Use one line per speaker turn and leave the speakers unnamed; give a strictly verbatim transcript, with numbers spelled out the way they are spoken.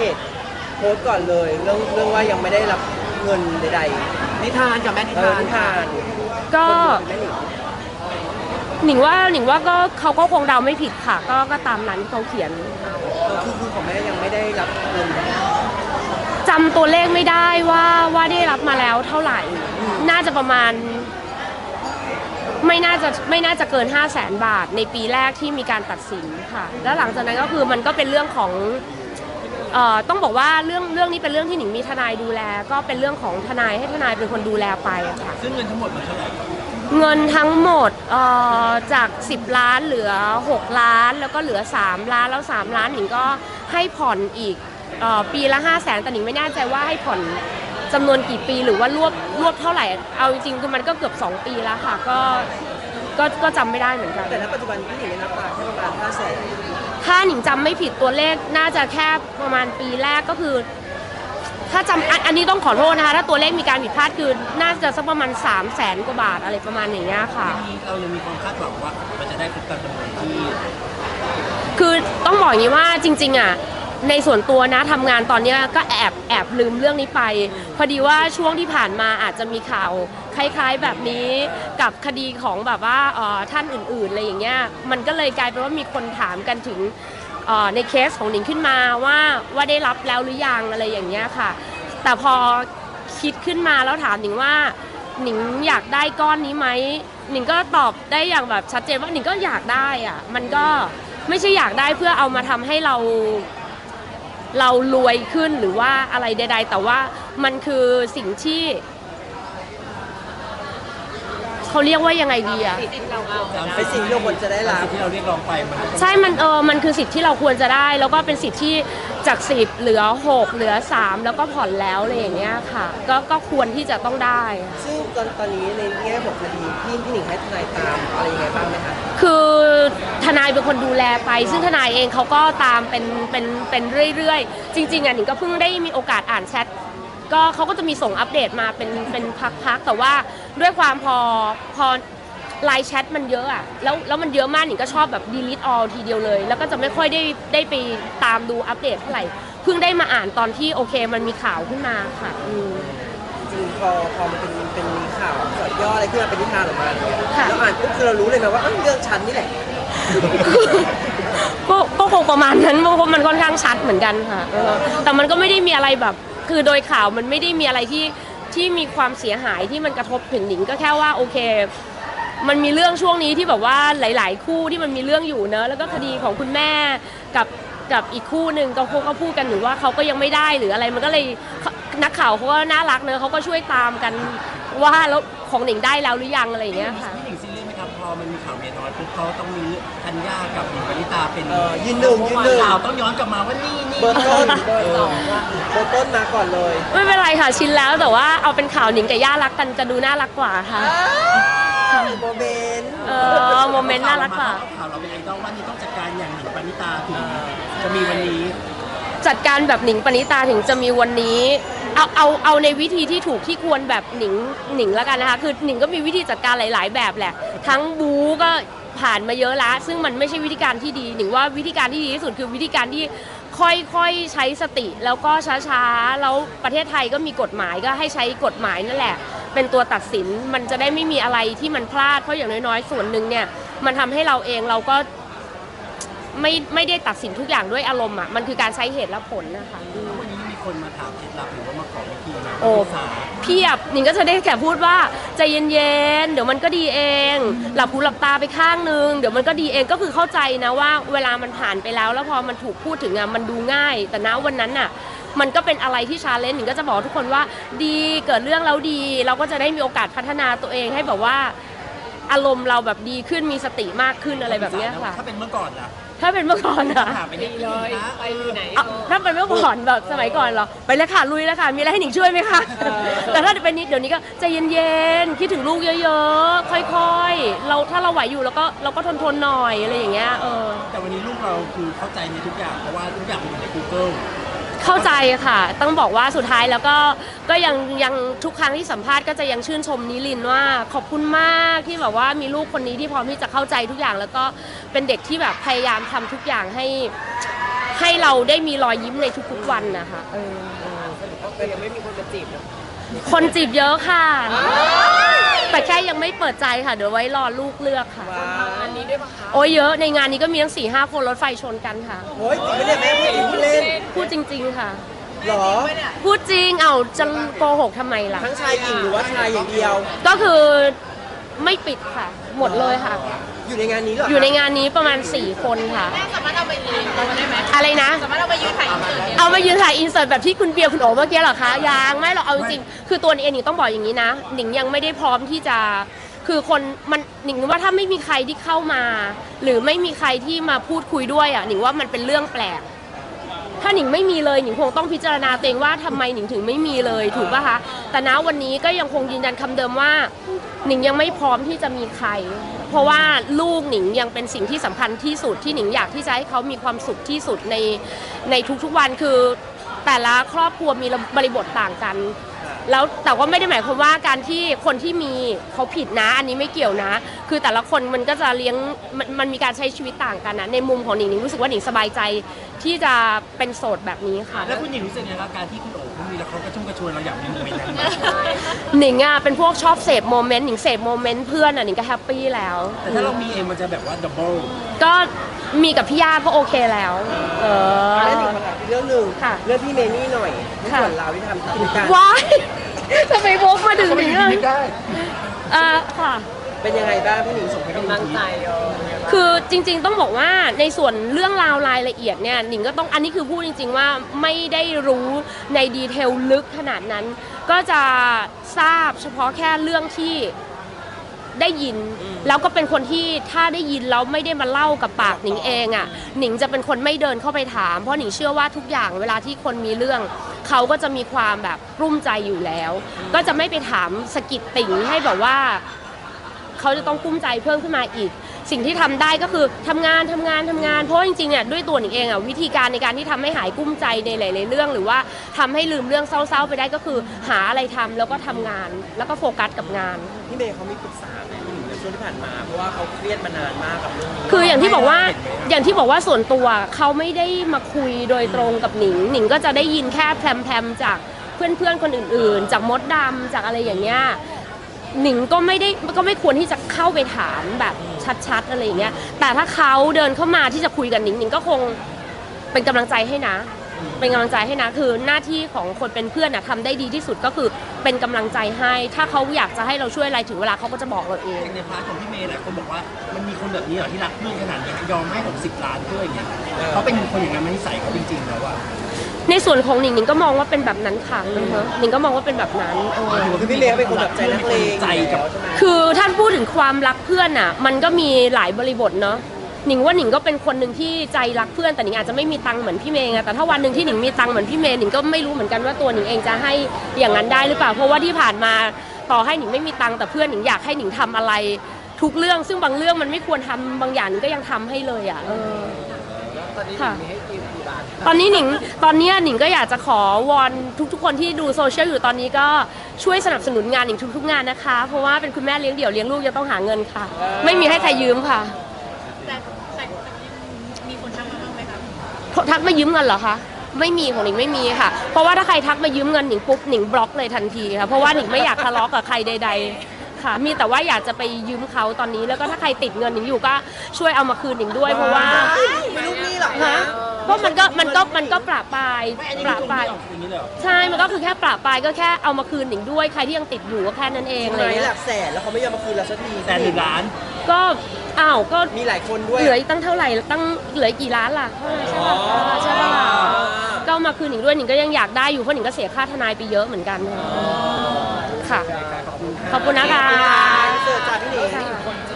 จโพสต์ก่อนเลยเรื่องเรื่องว่ายังไม่ได้รับเงินใด
ๆนิทานกับแม่นิ
ๆเออ
ทาน
นิทาน
ก็
แม่หนิง
หนิงว่าหนิงว่าก็เขาก็คงเดาไม่ผิดค่ะก็ก็ตามนั้นที่เขาเขียน
คือคือของแม่ยังไม่ได้รับเงิน
จำตัวเลขไม่ได้ว่าว่าได้รับมาแล้วเท่าไหร่น่าจะประมาณไม่น่าจะไม่น่าจะเกิน ห้าแสน บาทในปีแรกที่มีการตัดสินค่ะแล้วหลังจากนั้นก็คือมันก็เป็นเรื่องของเอ่อต้องบอกว่าเรื่องเรื่องนี้เป็นเรื่องที่หนิงมีทนายดูแลก็เป็นเรื่องของทนายให้ทนายเป็นคนดูแลไปอะค่ะ
ซึ่งเงินทั้งหมดมันเท่าไหร่
เงินทั้งหมดเอ่อจากสิบล้านเหลือหกล้านแล้วก็เหลือสามล้านแล้วสามล้านหนิงก็ให้ผ่อนอีกเอ่อปีละ ห้าแสน แต่หนิงไม่แน่ใจว่าให้ผ่อนจำนวนกี่ปีหรือว่ารวบรวบเท่าไหร่เอาจริงๆคือมันก็เกือบสองปีแล้วค่ะก็ก็ก็จำไม่ได้เหมือนกัน
แต่ณปัจจุบันพี่หนิงได้รับมาแค่ประมาณห้าแสน
ถ้าหนิงจำไม่ผิดตัวเลขน่าจะแค่ประมาณปีแรกก็คือถ้าจำอันนี้ต้องขอโทษนะคะถ้าตัวเลขมีการผิดพลาดคือน่าจะสักประมาณสามแสนกว่าบาทอะไรประมาณอย่างเงี้ยค่ะ
เรายังมีความคาดหวังว่ามันจะได้ครบตามจำนวนที่
คือต้องบอกอย่างนี้ว่าจริงๆอ่ะในส่วนตัวนะทำงานตอนนี้ก็แอบแอบลืมเรื่องนี้ไปพอดีว่าช่วงที่ผ่านมาอาจจะมีข่าวคล้ายๆแบบนี้กับคดีของแบบว่าท่านอื่นๆอะไรอย่างเงี้ยมันก็เลยกลายเป็นว่ามีคนถามกันถึงในเคสของหนิงขึ้นมาว่าว่าได้รับแล้วหรือยังอะไรอย่างเงี้ยค่ะแต่พอคิดขึ้นมาแล้วถามหนิงว่าหนิงอยากได้ก้อนนี้ไหมหนิงก็ตอบได้อย่างแบบชัดเจนว่าหนิงก็อยากได้อ่ะมันก็ไม่ใช่อยากได้เพื่อเอามาทำให้เราเรารวยขึ้นหรือว่าอะไรใดๆแต่ว่ามันคือสิ่งที่เขาเรียกว่ายังไงดีอะ
เป็นสิ่งที่เราควรจะได้รับ
ที่เราเรียกร้องไป
ใช่มันเออมันคือสิทธิ์ที่เราควรจะได้แล้วก็เป็นสิทธิ์ที่จากสิบเหลือหกเหลือสามแล้วก็ผ่อนแล้วอะไรอย่างเงี้ยค่ะก็ก็ควรที่จะต้องได้
ซึ่งตอนตอนนี้ในแง่ของคดีพี่พี่หนิงให้ทนายตามอะไรยังไงบ้างไหมคะ
คือทนายเป็นคนดูแลไปซึ่งทนายเองเขาก็ตามเป็นเป็นเป็นเรื่อยๆจริงๆอ่ะหนิงก็เพิ่งได้มีโอกาสอ่านแชทก็เขาก็จะมีส่งอัปเดตมาเป็นเป็นพักๆแต่ว่าด้วยความพอพอไลน์แชทมันเยอะอะแล้วแล้วมันเยอะมากหนิงก็ชอบแบบ delete all ทีเดียวเลยแล้วก็จะไม่ค่อยได้ได้ไปตามดูอัปเดตเท่าไหร่เพิ่งได้มาอ่านตอนที่โอเคมันมีข่าวขึ้นมาค่ะ
จริงพอพอมันเป็นเป็นมีข่าวสอดย่ออะไรขึ้นมาเป็นนิทานออกมาเนี่ยแล้วอ่านปุ๊บคือเรารู้เลยไหมว่าเรื่องฉันนี่แหละ
ก็ก็คงประมาณนั้นเพราะมันค่อนข้างชัดเหมือนกันค่ะแต่มันก็ไม่ได้มีอะไรแบบคือโดยข่าวมันไม่ได้มีอะไรที่ที่มีความเสียหายที่มันกระทบถึงหนิงก็แค่ว่าโอเคมันมีเรื่องช่วงนี้ที่แบบว่าหลายๆคู่ที่มันมีเรื่องอยู่เนอะแล้วก็คดีของคุณแม่กับกับอีกคู่หนึ่งก็พวกเขาพูดกันหรือว่าเขาก็ยังไม่ได้หรืออะไรมันก็เลยนักข่าวเขาก็น่ารักเนอะเขาก็ช่วยตามกันว่าแล้วของหนิงได้แล้วหรือยังอะไรอย่างเงี้ยค่ะ
พี่หนิงซีเรียสไหมครับพอมันมีข่าวเมียน้อยปุ๊บเขาต้องมีธัญญากับหนิงปณิตาเป็น
ยืนหนึ่งยืนหนึ่ง
ข่าวต้องย้อนกลับมาว่านี่นี่
เบอร์ต้นเบอร์สองเบอร์ต้นมาก่อนเลย
ไม่เป็นไรค่ะชินแล้วแต่ว่าเอาเป็นข่าวหนิงกับย่ารักกันจะดูน่ารักกว่าค่ะ
โมเมนต์
เออโมเมนต์น่ารักกว่า
ข่าวเราเป็นไอดอลว่านี่ต้องจัดการอย่างหนิงปณิตาถึงจะมีวันนี้
จัดการแบบหนิงปณิตาถึงจะมีวันนี้เอาเอาเอาในวิธีที่ถูกที่ควรแบบหนิงหนิงแล้วกันนะคะคือหนิงก็มีวิธีจัดการหลายๆแบบแหละทั้งบู๊ก็ผ่านมาเยอะละซึ่งมันไม่ใช่วิธีการที่ดีหนิงว่าวิธีการที่ดีที่สุดคือวิธีการที่ค่อยๆใช้สติแล้วก็ช้าๆแล้วประเทศไทยก็มีกฎหมายก็ให้ใช้กฎหมายนั่นแหละเป็นตัวตัดสินมันจะได้ไม่มีอะไรที่มันพลาดเพราะอย่างน้อยๆส่วนหนึ่งเนี่ยมันทำให้เราเองเราก็ไม่ไม่ได้ตัดสินทุกอย่างด้วยอารมณ์อ่ะมันคือการใช้เหตุและผลนะคะ
วันนี้มีคนมาถามเคล็ดลับหรือว่ามาขอวิธีนะ
โอ้เพียบหนิงก็จะได้แค่พูดว่าใจเย็นๆเดี๋ยวมันก็ดีเองหลับหูหลับตาไปข้างนึงเดี๋ยวมันก็ดีเองก็คือเข้าใจนะว่าเวลามันผ่านไปแล้วแล้วพอมันถูกพูดถึงอ่ะมันดูง่ายแต่ณวันนั้นอ่ะมันก็เป็นอะไรที่ชาเลนจ์หนิงก็จะบอกทุกคนว่าดีเกิดเรื่องแล้วดีเราก็จะได้มีโอกาสพัฒนาตัวเองให้แบบว่าอารมณ์เราแบบดีขึ้นมีสติมากขึ้นอะไรแบบนี้ค่ะ
ถ้าเป็นเมื่อก่อนล่ะ
ถ้าเป็นเมื่อก่อนอะ
ไปดีเลยไปไหน
ถ้าเป็นเมื่อก่อนแบบสมัยก่อนเหรอไปเลยค่ะลุยเลยค่ะมีอะไรให้หนิงช่วยไหมคะแต่ถ้าเป็นนิดเดี๋ยวนี้ก็ใจเย็นๆคิดถึงลูกเยอะๆค่อยๆเราถ้าเราไหวอยู่แล้วก็เราก็ทนๆหน่อยอะไรอย่างเงี้ยเออ
แต่วันนี้ลูกเราคือเข้าใจในทุกอย่างเพราะว่าทุกอย่างมันอยู่ใน Google
เข้าใจค่ะต้องบอกว่าสุดท้ายแล้วก็ก็ยังยังทุกครั้งที่สัมภาษณ์ก็จะยังชื่นชมนิลินว่าขอบคุณมากที่แบบว่ามีลูกคนนี้ที่พร้อมที่จะเข้าใจทุกอย่างแล้วก็เป็นเด็กที่แบบพยายามทำทุกอย่างให้ให้เราได้มีรอยยิ้มในทุกๆวันนะคะเออ
ก็ยังไม่มีคนมาจีบนะ
คนจีบเยอะค่ะ แต่แค่ยังไม่เปิดใจค่ะเดี๋ยวไว้รอลูกเลือกค่ะ
ว้าวอันนี้ด้วยปะคะ
โอ้ยเยอะในงานนี้ก็มีทั้งสี่ห้าคนรถไฟชนกันค่ะ
โอ้ยจริงไม่ได้แม่พูดจริงพูดเล่น
พูดจริง ๆค่ะ
หรอ
พูดจริงเอาจะโกหกทำไมล่ะ
ทั้งชายหญิงหรือว่าชายอย่างเดียว
ก็คือไม่ปิดค่ะ หมดเลยค่ะ
อยู่ในงานนี้เหรอ
อยู่ในงานนี้ประมาณสี่คนค่ะ
แม่สามารถเอาไปยืนได้ไหม
อะไรนะ
สามารถเอาไปยืนถ่ายอินเสิร์ตเนี่ย
เอามายืนถ่ายอินเสิร์ตแบบที่คุณเบียร์คุณโอ๋เมื่อกี้เหรอคะยังไม่หรอกเอาจริงๆคือตัวเองหนิงต้องบอกอย่างนี้นะหนิงยังไม่ได้พร้อมที่จะคือคนมันหนิงว่าถ้าไม่มีใครที่เข้ามา หรือไม่มีใครที่มาพูดคุยด้วยอ่ะหนิงว่ามันเป็นเรื่องแปลก ถ้าหนิงไม่มีเลยหนิงคงต้องพิจารณาตัวเองว่าทำไมหนิงถึงไม่มีเลยถูกป่ะคะแต่ณวันนี้ก็ยังคงยืนยันคำเดิมว่าหนิงยังไม่พร้อมที่จะมีใคร เพราะว่าลูกหนิงยังเป็นสิ่งที่สำคัญที่สุดที่หนิงอยากที่จะให้เขามีความสุขที่สุดในในทุกๆวันคือแต่ละครอบครัวมีบริบทต่างกัน แล้วแต่ว่าไม่ได้หมายความว่าการที่คนที่มีเขาผิดนะ อันนี้ไม่เกี่ยวนะ คือแต่ละคนมันก็จะเลี้ยงมันมันมีการใช้ชีวิตต่างกันนะในมุมของหนิงหนิงรู้สึกว่าหนิงสบายใจที่จะเป็นโสดแบบนี้ค่ะ
แล้วคุณหญิงรู้สึกยังไงกับการที่คุณโอ๋เขามีแล้วเขากระชุ่มกระชวยเราอยากมีโมเมนต์นั้นไหม
หนิงอ่ะเป็นพวกชอบเสพโมเมนต์หนิงเสพโมเมนต์เพื่อนอ่ะหนิงก็แฮปปี้แล้ว
แต่ถ้าเรามีเองมันจะแบบว่าดับเบิล
ก็มีกับพี่ย่าก็โอเคแล้ว เออ
แล้วหนึ่งคำถามอีกเรื่องหนึ่ง
ค่ะ
เรื่องพี่เมนี่หน่อยที่
ค่ะ
ส่วนเราที่ทำกิจการ
ว้ายจะไปวกมาถึงหนิงอ่ะเออค่ะ
เป็นยังไงบ้างพี่หนิงส่งให้กำลังใจ
คือจริงๆต้องบอกว่าในส่วนเรื่องราวรายละเอียดเนี่ยหนิงก็ต้องอันนี้คือพูดจริงๆว่าไม่ได้รู้ในดีเทลลึกขนาดนั้น ก็จะทราบเฉพาะแค่เรื่องที่ได้ยิน แล้วก็เป็นคนที่ถ้าได้ยินแล้วไม่ได้มาเล่ากับปากหนิงเองอ่ะหนิงจะเป็นคนไม่เดินเข้าไปถามเพราะหนิงเชื่อว่าทุกอย่างเวลาที่คนมีเรื่องเขาก็จะมีความแบบกลุ้มใจอยู่แล้ว ก็จะไม่ไปถามสะกิดติ่งให้แบบว่า เขาจะต้องกุ้มใจเพิ่มขึ้นมาอีก สิ่งที่ทำได้ก็คือทำงานทำงานทำงานเพราะว่าจริงๆเนี่ยด้วยตัวหนิงเองอ่ะวิธีการในการที่ทำให้หายกุ้มใจในหลายๆเรื่อง หรือว่าทำให้ลืมเรื่องเศร้าๆไปได้ก็คือหาอะไรทำแล้วก็ทำงานแล้วก็โฟกัสกับงาน
พี่เมย์เขามีปรึกษาไหมพี่หนิงในช่วงที่ผ่านมาเพราะว่าเขาเครียดมานานมากกับเรื่องนี้
คืออย่างที่บอกว่าอย่างที่บอกว่าส่วนตัวเขาไม่ได้มาคุยโดยตรงกับหนิงหนิงก็จะได้ยินแค่แพรมๆจากเพื่อนๆคนอื่นๆ จากมดดำจากอะไรอย่างเงี้ยหนิงก็ไม่ได้ก็ไม่ควรที่จะเข้าไปถามแบบชัดๆอะไรอย่างเงี้ยแต่ถ้าเขาเดินเข้ามาที่จะคุยกับหนิงหนิงก็คงเป็นกำลังใจให้นะ เป็นกำลังใจให้นะคือหน้าที่ของคนเป็นเพื่อนนะทำได้ดีที่สุดก็คือเป็นกำลังใจให้ ถ้าเขาอยากจะให้เราช่วยอะไรถึงเวลาเขาก็จะบอกเราเอง
ในพาร์ทของพี่เมย์หลายคนบอกว่ามันมีคนแบบนี้เหรอที่รักเพื่อนขนาดนี้ยอมให้หกสิบล้านเพื่ออย่างเงี้ยเขาเป็นคนอย่างนั้นไม่ใส่เขาจริงๆแล้วอะ
ในส่วนของหนิงหนิงก็มองว่าเป็นแบบนั้นค่ะอือฮะหนิงก็มองว่าเป็นแบบนั้นเออ
คือพี่เมย์เขาเป็นคนแบบใจนักเลง
ใจกับ
ใช่ไหม
คือท่านพูดถึงความรักเพื่อนอ่ะมันก็มีหลายบริบทเนาะหนิงว่าหนิงก็เป็นคนหนึ่งที่ใจรักเพื่อนแต่หนิงอาจจะไม่มีตังค์เหมือนพี่เมย์ไงแต่ถ้าวันหนึ่งที่หนิงมีตังค์เหมือนพี่เมย์หนิงก็ไม่รู้เหมือนกันว่าตัวหนิงเองจะให้อย่างนั้นได้หรือเปล่าเพราะว่าที่ผ่านมาต่อให้หนิงไม่มีตังค์แต่เพื่อนหนิงอยากให้หนิงทำอะไรทุกเรื่องซึ่งบางเรื่องมันไม่ควรทำบางอย่างหนิงก็ยังทำให้เลยอ่ะเออค่ะตอนนี้หนิงตอนนี้หนิงก็อยากจะขอวอนทุกๆคนที่ดูโซเชียลอยู่ตอนนี้ก็ช่วยสนับสนุนงานหนิงทุกๆงานนะคะเพราะว่าเป็นคุณแม่เลี้ยงเดี่ยวเลี้ยงลูกจะต้องหาเงินค่ะ ไม่มีให้ใครยืมค่ะ
แต่แต่มีคนทักมาบ้างไหมคะ
ทักมายืมเงินเหรอคะไม่มีของหนิงไม่มีค่ะ เพราะว่าถ้าใครทักมายืมเงินหนิงปุ๊บหนิงบล็อกเลยทันทีค่ะเพราะว่าหนิงไม่อยากทะเลาะกับใครใดๆค่ะมีแต่ว่าอยากจะไปยืมเขาตอนนี้แล้วก็ถ้าใครติดเงินหนิงอยู่ก็ช่วยเอามาคืนหนิงด้วยเพราะว่า
ไม่ลูกหนี้หรอก
ฮะ
นะ
ก็มันก็มันก็มันก็ประปราย
ไม่อันนี้
ประ
ตรง
ปราย
นี้ออกอย่างนี้เลยเหรอ
ใช่มันก็คือแค่ประปรายก็แค่เอามาคืนหนิงด้วยใครที่ยังติดอยู่ก็แค่นั้นเอง
ใช่
อะไร
ไหมห
เงี้
ลั
ย
กแสนแล้วเขาไม่ยอมมาคืนเราสักที
แต่หนึ่งล้าน
ก็อ้าวก็
มีหลายคนด้วย
เหลืออีกตั้งเท่าไหร่ตั้งเหลือกี่ล้านล่ะใช่ป่ะใช่ป่ะก็เอามาคืนหนิงด้วยหนิงก็ยังอยากได้อยู่เพราะหนิงก็เสียค่าทนายไปเยอะเหมือนกันค่ะ ขอบคุณนะคะ
เสิร์ฟจากพี่หนิง